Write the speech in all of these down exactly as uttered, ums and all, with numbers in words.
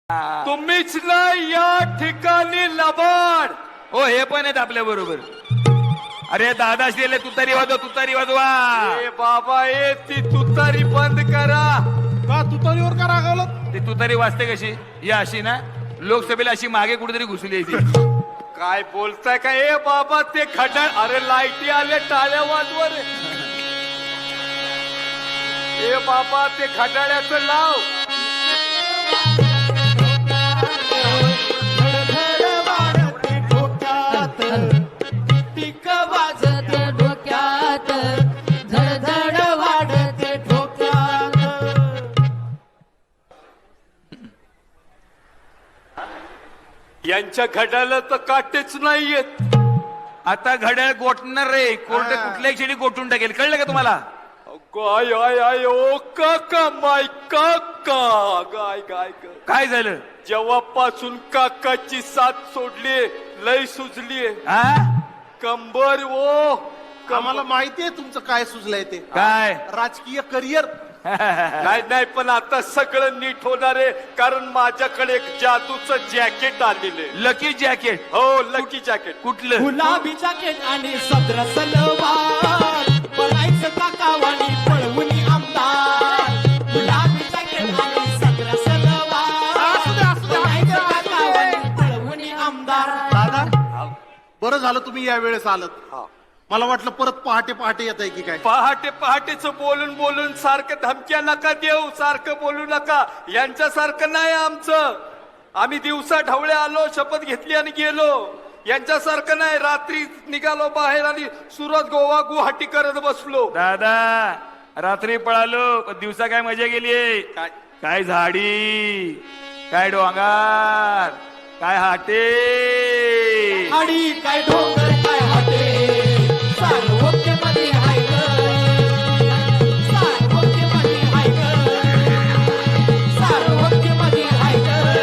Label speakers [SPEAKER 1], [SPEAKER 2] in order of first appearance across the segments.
[SPEAKER 1] तुम्हीच ना या ठिकाणी लबाड.
[SPEAKER 2] हो हे पण आहेत आपल्या बरोबर. अरे दादा शिले तुतारी वाजवा तुतारी वाजवा.
[SPEAKER 1] ए बाबा ए ती तुतारी बंद करा.
[SPEAKER 3] का तुतारीवर का रागावलं?
[SPEAKER 2] ती तुतारी वाजते कशी या अशी ना लोकसभेला अशी मागे कुठेतरी घुसली आहे ती.
[SPEAKER 1] काय बोलताय का ए बाबा ते खड्डा. अरे लाईटी आले टाळ्या वाजवा रे. ए बाबा ते खड्डाळ्याचं लाव.
[SPEAKER 4] टिक वाजत डोक्यात धडधड वाढते डोक्यात.
[SPEAKER 1] यांच्या घड्याला तर काटेच नाहीयेत.
[SPEAKER 2] आता घड्याळ गोठणार रे. कोर्ट कुठल्याही क्षणी गोठून टाकेल. कळलं का तुम्हाला?
[SPEAKER 1] गाय आय आय ओ काका माय काका. गाय गाय गाय.
[SPEAKER 2] काय झालं?
[SPEAKER 1] जेव्हापासून काकाची साथ सोडली लय सुजली.
[SPEAKER 2] हा
[SPEAKER 1] कंबर ओ
[SPEAKER 3] आम्हाला माहितीये तुमचं काय सुचलंय ते.
[SPEAKER 2] काय?
[SPEAKER 3] राजकीय करिअर.
[SPEAKER 1] नाही नाही पण आता सगळं नीट होणार आहे. कारण माझ्याकडे एक जादूचं जॅकेट आलेले.
[SPEAKER 2] Lucky jacket.
[SPEAKER 1] हो लकी जॅकेट.
[SPEAKER 2] कुठलं?
[SPEAKER 4] गुलाबी जॅकेट आणि सदर सलवार पळायचं काकावानी पळवून आमदार. गुलाबी जॅकेट आणि सदर सलवार पळायचं काकावानी पळवून आमदार.
[SPEAKER 3] दादा बरं झालं तुम्ही या वेळेस आलत. मला वाटलं परत पहाटे पहाटे येत आहे की काय.
[SPEAKER 1] पहाटे पहाटेच बोलून बोलून सारखं धमक्या नका देऊ. सारखं बोलू नका. यांच्यासारखं नाही आमचं. आम्ही दिवसा ढवळे आलो शपथ घेतली आणि गेलो. यांच्यासारखं नाही. रात्री निघालो बाहेर आणि सुरत गोवा गुवाहाटी करत बसलो.
[SPEAKER 2] दादा रात्री पळालो पण दिवसा काय मजा गेली.
[SPEAKER 1] काय
[SPEAKER 2] काय झाडी काय डोंगर काय हाटे
[SPEAKER 4] आणि काय डोंगर काय हॉटे सार्वत्य हाय सार्वत्य हाय सार्वत्य हाय.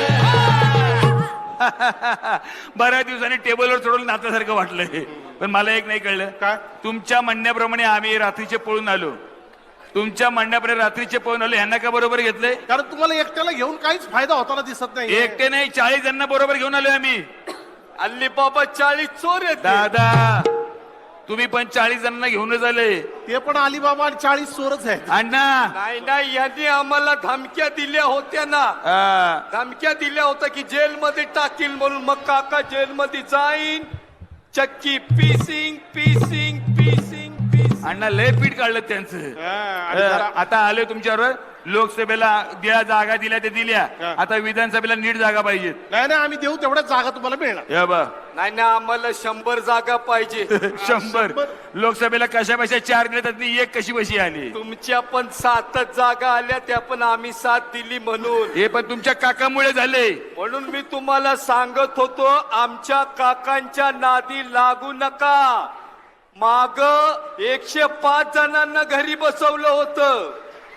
[SPEAKER 2] बऱ्याच दिवसांनी टेबलवर चढवून नात्यासारखं वाटलंय. पण मला एक नाही कळलं.
[SPEAKER 3] काय?
[SPEAKER 2] तुमच्या म्हणण्याप्रमाणे आम्ही रात्रीचे पळून आलो. तुमच्या म्हणण्याप्रमाणे रात्रीचे पळून आलो. ह्यांना का बरोबर घेतलंय?
[SPEAKER 3] कारण तुम्हाला एकट्याला घेऊन काहीच फायदा होताना दिसत नाही.
[SPEAKER 2] एकटे नाही चाळीस जणांना बरोबर घेऊन आलोय आम्ही.
[SPEAKER 1] अल्ली बाबा चाळीस चोर आहेत.
[SPEAKER 2] दादा तुम्ही पण चाळीस जणांना घेऊनच आले.
[SPEAKER 3] ते पण अलिबाबा आणि चाळीस चोरच आहेत.
[SPEAKER 2] अण्णा
[SPEAKER 1] नाही नाही यांनी आम्हाला धमक्या दिल्या होत्या ना.
[SPEAKER 2] हा.
[SPEAKER 1] धमक्या दिल्या होत्या की जेलमध्ये टाकील म्हणून. मग काका जेलमध्ये जाईन. चक्की पीसिंग पीसिंग पीसिंग पीसिंग.
[SPEAKER 2] अण्णा लय पीठ काढलं त्यांचं.
[SPEAKER 3] हा, आणि जरा-
[SPEAKER 2] आता आलोय तुमच्यावर. लोकसभेला ज्या जागा दिल्या ते दिल्या.
[SPEAKER 3] हा.
[SPEAKER 2] आता विधानसभेला नीट जागा पाहिजेत.
[SPEAKER 3] नाही नाही आम्ही देऊ तेवढ्याच जागा तुम्हाला मिळणार.
[SPEAKER 2] हे बा
[SPEAKER 1] नाही ना आम्हाला शंभर जागा पाहिजे.
[SPEAKER 2] शंभर लोकसभेला कशा बशा चार दिल्या त्यातली एक कशी बशी आली.
[SPEAKER 1] तुमच्या पण सातच जागा आल्या. त्या पण आम्ही साथ दिली म्हणून.
[SPEAKER 2] हे पण तुमच्या काकामुळे झाले.
[SPEAKER 1] म्हणून मी तुम्हाला सांगत होतो आमच्या काकांच्या नादी लागू नका. माग एकशे पाच जणांना घरी बसवलं होतं.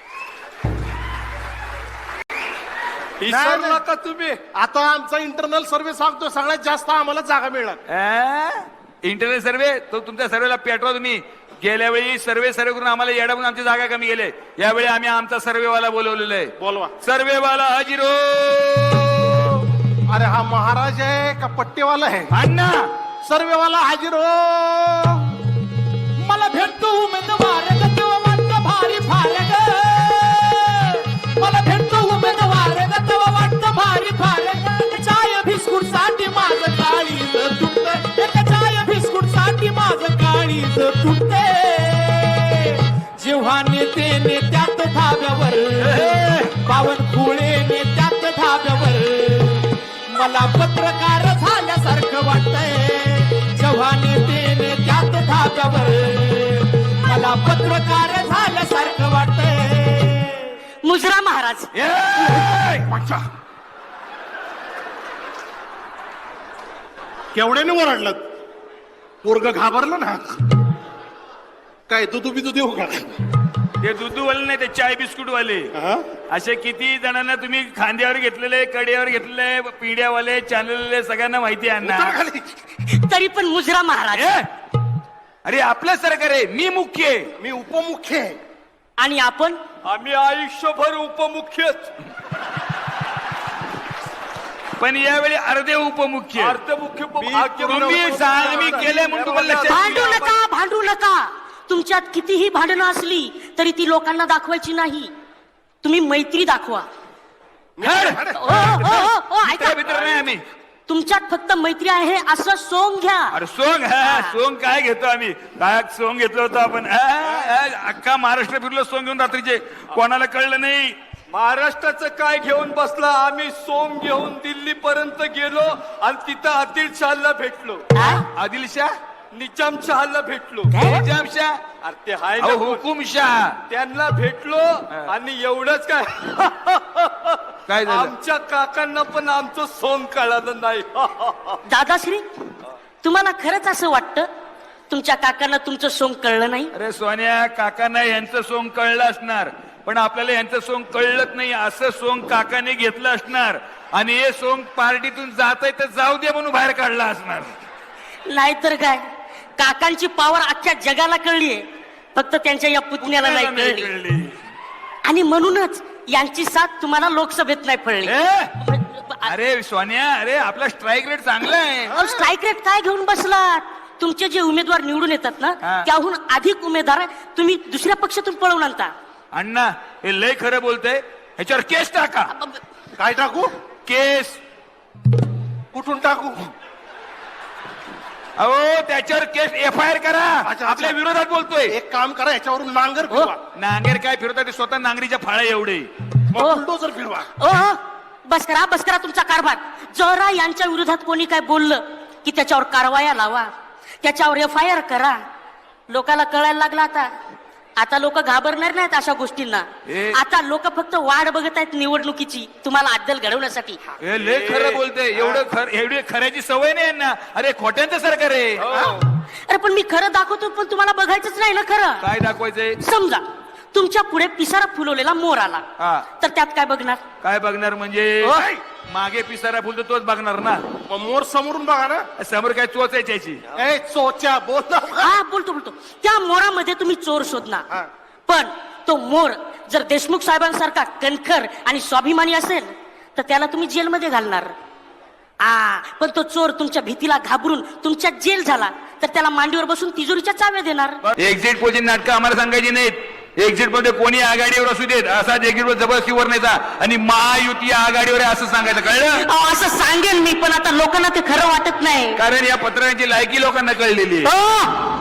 [SPEAKER 1] विसरला का तुम्ही?
[SPEAKER 3] आता आमचा इंटरनल सर्व्हे सांगतो सगळ्यात जास्त आम्हाला जागा मिळणार.
[SPEAKER 2] इंटरनेट सर्वे तो तुमच्या सर्वेला पेटवा तुम्ही. गेल्या वेळी सर्वे सर्वे करून आम्हाला येडा म्हणून आमची जागा कमी गेले. यावेळी आम्ही आमचा सर्वेवाला बोलवलेला आहे.
[SPEAKER 3] बोलवा.
[SPEAKER 2] सर्वेवाला हजिरो.
[SPEAKER 3] अरे हा महाराज आहे का पट्टेवाला आहे?
[SPEAKER 2] अण्णा
[SPEAKER 3] सर्वेवाला हाजीर हो.
[SPEAKER 4] मला भेटतो उमेदवार ग तेव्हा वाटतं भारी फारग. मला भेटतो उमेदवार ग तेव्हा वाटतं भारी फारग. चाय बिस्कुट साठी माझं काळीज तुटत. एक चाय बिस्कुट साठी माझं काळीज तुटते. जेव्हा नेते नेत्यात धाब्यावर बावनकुळे नेत्यात धाब्यावर मला पत्रकार झाल्यासारखं वाटतंय. जेव्हा नेते नेत्यात धाब्यावर मला पत्रकार झाल्यासारखं वाटतंय.
[SPEAKER 5] मुजरा महाराज
[SPEAKER 3] केवढ्याने ओरडलं? पोरग घाबरलं ना. काय तू तुम्ही तू देऊ का?
[SPEAKER 2] ते दुधूवाले नाही ते चाय बिस्कुट वाले.
[SPEAKER 3] हा?
[SPEAKER 2] असे किती जणांना तुम्ही खांद्यावर घेतलेले कड्यावर घेतलेले पिढ्यावाले चॅनलले सगळ्यांना माहिती आहे
[SPEAKER 3] उतर
[SPEAKER 2] ना.
[SPEAKER 3] खाली.
[SPEAKER 5] तरी पण मुजरा महाराज
[SPEAKER 2] ए? अरे आपलं सरकार आहे. मी मुख्य आहे.
[SPEAKER 3] मी उपमुख्य आहे.
[SPEAKER 5] आणि आपण
[SPEAKER 1] आम्ही आयुष्यभर उपमुख्यच.
[SPEAKER 2] पण यावेळी अर्धे उपमुख्य
[SPEAKER 1] अर्थमुख्य भाग्य
[SPEAKER 2] तुम्ही सांग मी केलंय म्हणून तुम्हाला लक्षात
[SPEAKER 5] भांडू
[SPEAKER 2] येईल.
[SPEAKER 5] नका भांडू नका. तुमच्यात कितीही भांडणं असली तरी ती लोकांना दाखवायची नाही. तुम्ही मैत्री दाखवा.
[SPEAKER 2] हड.
[SPEAKER 5] ओ, ओ, ओ, ओ, ऐका.
[SPEAKER 2] मित्र मित्र नाही आम्ही.
[SPEAKER 5] तुमच्यात फक्त मैत्री आहे असं सोंग घ्या.
[SPEAKER 2] अरे सोंग हा सोंग काय घेतो आम्ही काय सोंग घेतलं होतं आपण हा, हा, अख्खा महाराष्ट्र फिरलो सोंग घेऊन रात्रीचे कोणाला कळलं नाही.
[SPEAKER 1] महाराष्ट्राचं काय घेऊन बसला. आम्ही सोम घेऊन दिल्ली पर्यंत गेलो आणि तिथं आदिल शहाला भेटलो.
[SPEAKER 2] आदिलशाह
[SPEAKER 1] निजामशहाला भेटलो.
[SPEAKER 2] निजामशाह
[SPEAKER 1] अरे ते हाय ना
[SPEAKER 2] अहो,
[SPEAKER 1] कोण.
[SPEAKER 2] हुकुमशाह
[SPEAKER 1] त्यांना भेटलो आणि एवढंच काय
[SPEAKER 2] काय झालं
[SPEAKER 1] आमच्या काकांना पण आमचं सोंग कळालं नाही.
[SPEAKER 5] दादाश्री तुम्हाला खरंच असं वाटतं तुमच्या काकांना तुमचं सोंग कळलं नाही?
[SPEAKER 2] अरे सोन्या काकांना यांचं सोंग कळलं असणार पण आपल्याला यांचं सोंग कळलंच नाही. असं सोंग काकाने घेतलं असणार आणि हे सोंग पार्टीतून जात आहे तर जाऊ दे म्हणून बाहेर काढला असणार.
[SPEAKER 5] नाहीतर काय काकांची पावर अख्ख्या जगाला कळलीये फक्त त्यांच्या या पुतण्याला नाही
[SPEAKER 2] नाही
[SPEAKER 5] कळली.
[SPEAKER 2] कळली.
[SPEAKER 5] आणि म्हणूनच यांची साथ तुम्हाला लोकसभेत नाही पडली.
[SPEAKER 2] ए? अरे सोन्या अरे आपला स्ट्राईक रेट चांगला आहे.
[SPEAKER 5] स्ट्राईक रेट काय घेऊन बसलात? तुमचे जे उमेदवार निवडून येतात ना
[SPEAKER 2] हा.
[SPEAKER 5] त्याहून अधिक उमेदवार तुम्ही दुसऱ्या पक्षातून पळवून आणता.
[SPEAKER 2] अण्णा हे लय खरं बोलतय. ह्याच्यावर केस टाका.
[SPEAKER 3] काय टाकू
[SPEAKER 2] केस
[SPEAKER 3] कुठून टाकू
[SPEAKER 2] अहो त्याच्यावर केस एफ आय आर करा.
[SPEAKER 3] अच्छा.
[SPEAKER 2] आपल्या विरोधात बोलतोय.
[SPEAKER 3] एक काम करा याच्यावरून नांगर फिरवा
[SPEAKER 2] नांगेर काय फिरवतात ते स्वतः नांगरीच्या फाळ्या एवढे.
[SPEAKER 3] मग
[SPEAKER 5] हो.
[SPEAKER 3] बुलडोझर फिरवा.
[SPEAKER 5] ओ हो, बस करा बस करा तुमचा कारभार. जरा यांच्या विरोधात कोणी काय बोललं की त्याच्यावर कारवाया लावा त्याच्यावर एफ आय आर करा. लोकांना कळायला लागला आता. आता लोक घाबरणार नाहीत अशा गोष्टींना.
[SPEAKER 2] ए.
[SPEAKER 5] आता लोक फक्त वाट बघत आहेत निवडणुकीची तुम्हाला अद्दल घडवण्यासाठी.
[SPEAKER 2] हे लय खरं बोलतोय. एवढं खर एवढी खऱ्याची सवय नाही यांना. अरे खोट्यांचं सरकार आहे.
[SPEAKER 5] अरे पण मी खरं दाखवतो पण तुम्हाला बघायचंच नाही ना खरं.
[SPEAKER 2] काय दाखवायचंय.
[SPEAKER 5] समजा तुमच्या पुढे पिसारा फुलवलेला मोर आला
[SPEAKER 2] हा.
[SPEAKER 5] तर त्यात काय बघणार?
[SPEAKER 2] काय बघणार म्हणजे
[SPEAKER 5] ओय.
[SPEAKER 2] मागे पिसारा फुलतो तोच बघणार ना.
[SPEAKER 3] मग मोर समोरून बघा ना.
[SPEAKER 2] समोर काय चोचायची.
[SPEAKER 3] ए चोच्या बोल ना.
[SPEAKER 5] हा बोलतो बोलतो त्या मोरामध्ये तुम्ही चोर
[SPEAKER 3] हा.
[SPEAKER 5] शोधणार पण तो मोर जर देशमुख साहेबांसारखा कणखर आणि स्वाभिमानी असेल तर त्याला तुम्ही जेलमध्ये घालणार. आ पण तो चोर तुमच्या भीतीला घाबरून तुमच्या जेल झाला तर त्याला मांडीवर बसून तिजोरीच्या चाव्या देणार.
[SPEAKER 2] एक्झिट पोलची नाटकं आम्हाला सांगायची नाहीत. एक्झिट मध्ये कोणी आघाडीवर असू देत असाच एक्झिट वर जबरदस्तीवर नाही आणि महायुती आघाडीवर आहे असं सांगायचं कळलं.
[SPEAKER 5] अहो, असं सांगेन मी पण आता लोकांना ते खरं वाटत नाही.
[SPEAKER 2] कारण या पत्रांची लायकी लोकांना कळलेली आहे.
[SPEAKER 5] ओ,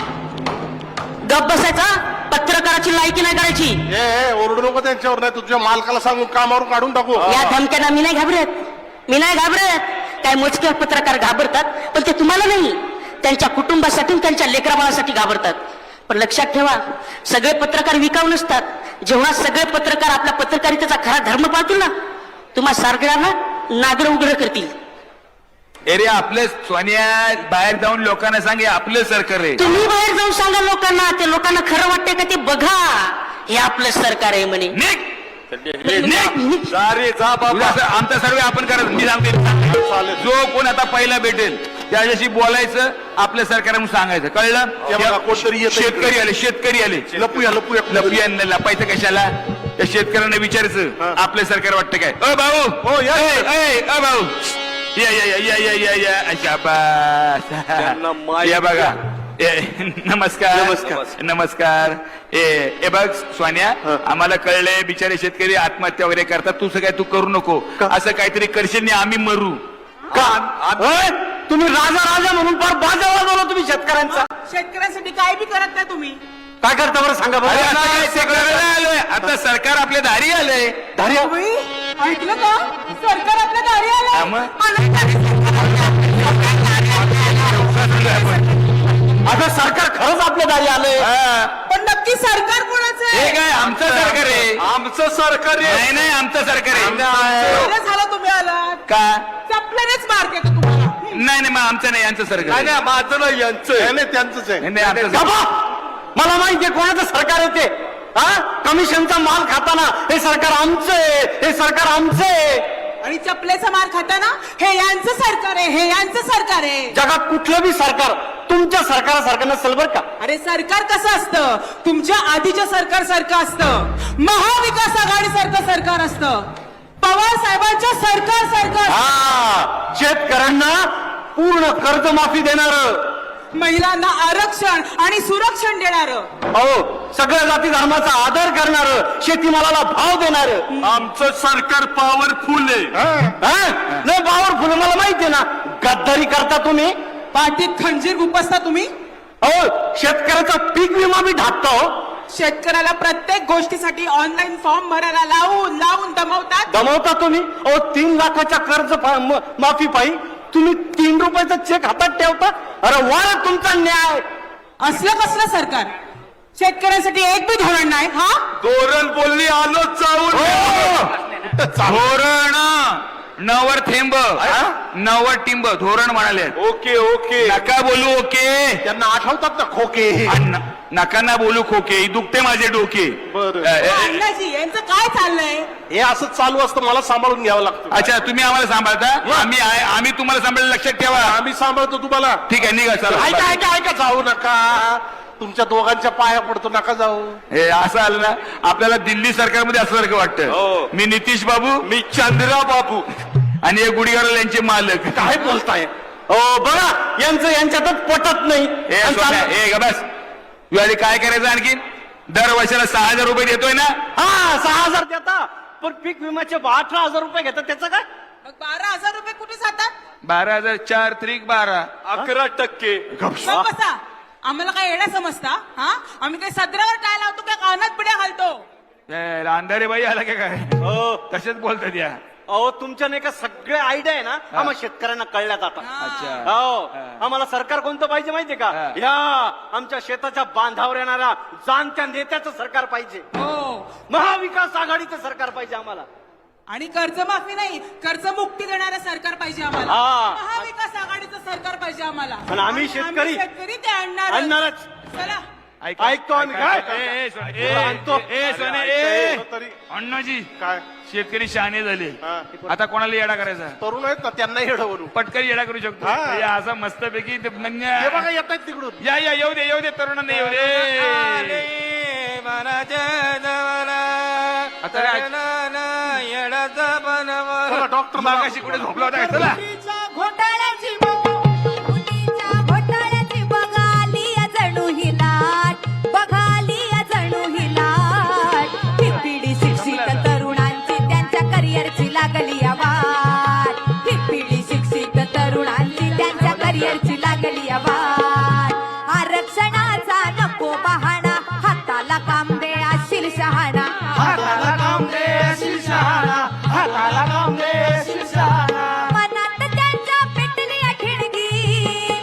[SPEAKER 5] गप बसायचा. पत्रकाराची लायकी नाही करायची.
[SPEAKER 3] ए ए, ओरडू नको त्यांच्यावर. नाही तुझ्या मालकाला सांगून कामावरून काढून टाकू.
[SPEAKER 5] या धमक्यांना मी नाही घाबरत. मी नाही घाबरत. काय मोजके पत्रकार घाबरतात पण ते तुम्हाला नाही त्यांच्या कुटुंबासाठी त्यांच्या लेकराबाळासाठी घाबरतात. पण लक्षात ठेवा सगळे पत्रकार विकाऊ नसतात. जेव्हा सगळे पत्रकार आपल्या पत्रकारितेचा खरा धर्म पाळतील ना तुम्हा सारगळ्यांना नागर उघड करतील.
[SPEAKER 2] अरे आपलं सोनिया बाहेर जाऊन लोकांना सांगे आपलं सरकार आहे.
[SPEAKER 5] तुम्ही बाहेर जाऊन सांगा लोकांना. ते लोकांना खरं वाटतंय का ते बघा. हे आपलं सरकार आहे म्हणे.
[SPEAKER 2] निघ. निघ.
[SPEAKER 1] जा रे जा
[SPEAKER 2] तुझं
[SPEAKER 1] बाबा.
[SPEAKER 2] असं आमचा सर्वे आपण करत मी सांगते जो कोण आता पहिला भेटेल त्याच्याशी बोलायचं आपलं सरकार म्हणून सांगायचं कळलं.
[SPEAKER 3] ते बघा, कोणतरी येतंय
[SPEAKER 2] शेतकरी आले शेतकरी आले
[SPEAKER 3] लपूया लपूया
[SPEAKER 2] लपिया लपायचं कशाला. त्या शेतकऱ्यांना विचारायचं आपलं सरकार वाटतं काय. अ भाऊ
[SPEAKER 3] हो, या.
[SPEAKER 2] ए, ए, अ भाऊ या या या या या या या शाबास.
[SPEAKER 1] त्यांना माहित
[SPEAKER 2] या बघा ए, नमस्कार
[SPEAKER 3] नमस्कार.
[SPEAKER 2] नमस्कार. ए ए बघ सोन्या आम्हाला कळलंय बिचारे शेतकरी आत्महत्या वगैरे करतात. तू काय तू करू नको असं काहीतरी करशील नाही आम्ही मरू का.
[SPEAKER 5] तुम्ही राजा राजा म्हणून फार बाजा वाजवला तुम्ही शेतकऱ्यांचा.
[SPEAKER 6] शेतकऱ्यांसाठी काय बी करत नाही तुम्ही.
[SPEAKER 5] काय करता बरं सांगा
[SPEAKER 2] अरे आता काय ते करायला आलोय. आता सरकार आपल्या दारी आलंय.
[SPEAKER 6] तुम्ही ऐकलं का? सरकार आपल्या दारी
[SPEAKER 2] हा
[SPEAKER 6] आलं.
[SPEAKER 2] मग.
[SPEAKER 5] आता सरकार खरंच आपल्या दारी आलंय.
[SPEAKER 2] हा.
[SPEAKER 6] पण नक्की सरकार कोणाचं
[SPEAKER 2] हे
[SPEAKER 6] आहे?
[SPEAKER 2] काय आमचं सरकार आहे.
[SPEAKER 1] आमचं सरकार आहे.
[SPEAKER 2] नाही नाही आमचं सरकार आहे.
[SPEAKER 6] बरं झालं तुम्ही आलात.
[SPEAKER 2] का
[SPEAKER 6] चपल्यानेच मार देतो तुम्हाला.
[SPEAKER 2] नाही नाही मग आमचं नाही यांचं सरकार
[SPEAKER 1] नाही
[SPEAKER 2] आहे.
[SPEAKER 1] नाही माझं नाही यांचं आहे.
[SPEAKER 3] नाही, नाही त्यांचंच आहे.
[SPEAKER 2] नाही, नाही, आमचं सरकार.
[SPEAKER 5] मला माहितीये कोणाचं सरकार येते. हा कमिशनचा माल खाताना हे सरकार आमचं आहे. हे सरकार आमचं आहे.
[SPEAKER 6] आणि चपलेचा मार खाताना हे यांचं सरकार आहे. हे यांचं सरकार आहे.
[SPEAKER 5] जगात कुठलं बी सरकार तुमच्या सरकारासारखं नसेल बरं का.
[SPEAKER 6] अरे सरकार कसं असतं? तुमच्या आधीच्या सरकार सारखं असतं. महाविकास आघाडी सारखं सरकार असतं. पवार साहेबांच्या सरकार सरकार
[SPEAKER 7] हा शेतकऱ्यांना पूर्ण कर्जमाफी देणार,
[SPEAKER 6] महिलांना आरक्षण आणि सुरक्षण देणार,
[SPEAKER 7] अहो सगळ्या जाती धर्माचा आदर करणार, शेतीमालाला भाव देणार.
[SPEAKER 3] आमचं सरकार पॉवरफुल आहे.
[SPEAKER 7] नाही पॉवरफुल मला माहितीये ना. गद्दारी करता तुम्ही,
[SPEAKER 6] पाठीत खंजीर गुपसता तुम्ही,
[SPEAKER 7] अहो शेतकऱ्याचा पीक विमा बी ढाकता. हो
[SPEAKER 6] शेतकऱ्याला प्रत्येक गोष्टीसाठी ऑनलाईन फॉर्म भरायला लावून लावून दमवतात.
[SPEAKER 7] दमवता तुम्ही. अहो तीन लाखाच्या कर्ज फा- म- माफी पायी तुम्ही तीन रुपयाचा चेक हातात ठेवता. अरे वा तुमचा न्याय.
[SPEAKER 6] असलं कसलं सरकार? शेतकऱ्यांसाठी एक बी धोरण नाही. हा
[SPEAKER 1] धोरण बोलली आलो चावून.
[SPEAKER 2] धोरण नवर थेंब नवर टिंब धोरण म्हणाले.
[SPEAKER 1] ओके ओके
[SPEAKER 2] नका बोलू ओके.
[SPEAKER 3] त्यांना आठवतात ना खोके.
[SPEAKER 2] आणि न- नका ना बोलू खोके, दुखते माझे डोके.
[SPEAKER 3] बरं.
[SPEAKER 2] अ, ए, ए,
[SPEAKER 6] अण्णाजी यांचं काय चाललंय?
[SPEAKER 3] हे असं चालू असतं, मला सांभाळून घ्यावं लागतं.
[SPEAKER 2] अच्छा तुम्ही आम्हाला सांभाळता, आम्ही आहे- आम्ही तुम्हाला सांभाळ. लक्षात ठेवा.
[SPEAKER 3] आम्ही सांभाळतो तुम्हाला.
[SPEAKER 2] ठीक आहे निघा चला.
[SPEAKER 3] ऐका ऐका ऐका जाऊ नका. तुमच्या दोघांच्या पाया पडतो, नका जाऊ.
[SPEAKER 2] हे असं आलं ना आपल्याला दिल्ली सरकारमध्ये असल्यासारखं
[SPEAKER 1] हो.
[SPEAKER 2] वाटतं. मी नितीश बाबू
[SPEAKER 1] मी चंद्रा बाबू
[SPEAKER 2] आणि हे गुढीगाडा यांचे मालक.
[SPEAKER 3] काय बोलताय?
[SPEAKER 7] हो बघा यांचं यांच्यातच पटत नाही.
[SPEAKER 2] हे
[SPEAKER 7] आणि
[SPEAKER 2] सोन्या,
[SPEAKER 7] चाल-
[SPEAKER 2] हे ग बस. तू आधी काय करायचं आणखी? दर वर्षाला सहा हजार रुपये देतोय ना.
[SPEAKER 7] हा सहा हजार देता, पण पीक विम्याचे अठरा हजार रुपये घेतात. त्याचं काय?
[SPEAKER 6] मग बारा हजार रुपये कुठे जातात?
[SPEAKER 2] बारा हजार चार त्रिक बारा.
[SPEAKER 1] अकरा टक्के
[SPEAKER 6] मग बसा, आम्हाला काय येणं समजता? हा आम्ही काही सदरावर काय लावतो काय कानात पिढ्या घालतो?
[SPEAKER 2] हे अंधारे बाई आला का काय? तसेच बोलतात या.
[SPEAKER 7] अहो तुमच्या नाही का सगळे आयडिया आहे ना आम्हाला शेतकऱ्यांना कळल्यात आता.
[SPEAKER 2] अच्छा
[SPEAKER 7] हो आम्हाला सरकार कोणतं पाहिजे माहितीये का?
[SPEAKER 2] हा.
[SPEAKER 7] या आमच्या शेताच्या बांधावर येणारा जाणत्या नेत्याचं सरकार पाहिजे.
[SPEAKER 6] हो,
[SPEAKER 7] महाविकास आघाडीचं सरकार पाहिजे आम्हाला.
[SPEAKER 6] आणि कर्जमाफी नाही, कर्जमुक्ती देणारं सरकार पाहिजे आम्हाला.
[SPEAKER 7] हा.
[SPEAKER 6] महाविकास आघाडीचं सरकार पाहिजे आम्हाला.
[SPEAKER 7] पण आम्ही शेतकरी-
[SPEAKER 6] शेतकरी ते आणणार
[SPEAKER 7] आणणारच.
[SPEAKER 6] चला
[SPEAKER 2] ऐक-
[SPEAKER 7] ऐकतो आम्ही.
[SPEAKER 2] ऐक-
[SPEAKER 7] काय?
[SPEAKER 2] ऐक- ए, ए, सोने, ए,
[SPEAKER 7] आणतो.
[SPEAKER 2] ए, ए, सोने,
[SPEAKER 3] अरे,
[SPEAKER 2] ए.
[SPEAKER 3] ऐक- तरी.
[SPEAKER 2] अण्णाजी
[SPEAKER 3] काय
[SPEAKER 2] शेतकरी शहाणे झाले.
[SPEAKER 3] हा.
[SPEAKER 2] आता कोणाला येडा करायचा?
[SPEAKER 3] तरुण आहेत ना, त्यांना येडं बनू.
[SPEAKER 2] पटकन येडा करू शकतो.
[SPEAKER 3] हा.
[SPEAKER 2] म्हणजे असं मस्तपैकी ते म्हणजे-
[SPEAKER 3] हे बघा येत आहेत तिकडून.
[SPEAKER 2] या या येऊ दे येऊ दे तरुणांना येऊ दे. आता काय?
[SPEAKER 3] चला, डॉक्टर
[SPEAKER 2] मागाशी कुठे झोपला होता का? चला.
[SPEAKER 8] घोटाळ्याची मुलीच्या घोटाळ्याची बघाली जणू ही लाट, बघाली जणू ही लाट. ही पिढी शिक्षित तरुणांची त्यांच्या करिअरची लागली वाट. ही पिढी शिक्षित तरुणांची त्यांच्या करिअरची लागली वाट. आरक्षणाचा नको बहाणा, हाताला काम दे अशील शहाणा. मनात त्यांच्या पेटली ठिणगी,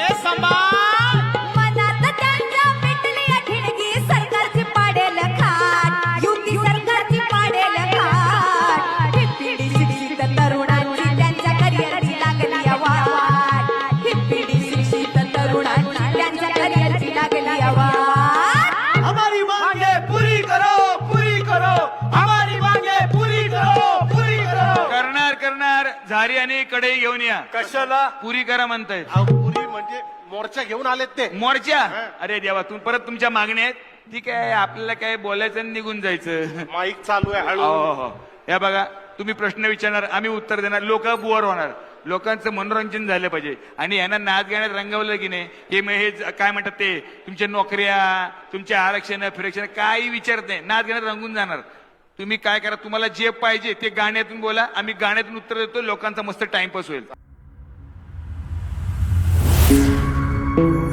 [SPEAKER 8] मनात त्यांच्या पेटली ठिणगी. सरकारची पाडेल खाट, युती सरकारची पाडेल खाट. ही पिढी शिक्षित तरुणांची त्यांच्या करिअरची लागली वाट. ही पिढी शिक्षित तरुणांची त्यांच्या करिअरची लागली वाट.
[SPEAKER 4] हमारी मांगे पूरी करो, पूरी करो, हमारी मांगे पूरी करो, पूरी करो.
[SPEAKER 2] करणार करणार झारी आणि कढई घेऊन या.
[SPEAKER 1] कशाला?
[SPEAKER 2] पुरी करा म्हणतायत.
[SPEAKER 3] अहो, पुरी म्हणजे मोर्चा घेऊन आलेत ते.
[SPEAKER 2] मोर्चा. अरे देवा तुम्ही परत तुमच्या मागण्या आहेत. ठीक आहे आपल्याला काय बोलायचं आणि निघून जायचं.
[SPEAKER 3] माईक चालू आहे हळू.
[SPEAKER 2] हो हो या बघा तुम्ही प्रश्न विचारणार आम्ही उत्तर देणार. लोक बुवर होणार. लोकांचं मनोरंजन झालं पाहिजे आणि यांना नाच गाण्यात रंगवलं की नाही हे मग हे ज- काय म्हणतात ते तुमच्या नोकऱ्या तुमचे आरक्षण फिरक्षण काही विचारत नाही. नाच गाण्यात रंगून जाणार. तुम्ही काय करा तुम्हाला जे पाहिजे ते गाण्यातून बोला. आम्ही गाण्यातून उत्तर देतो. लोकांचा मस्त टाइमपास होईल.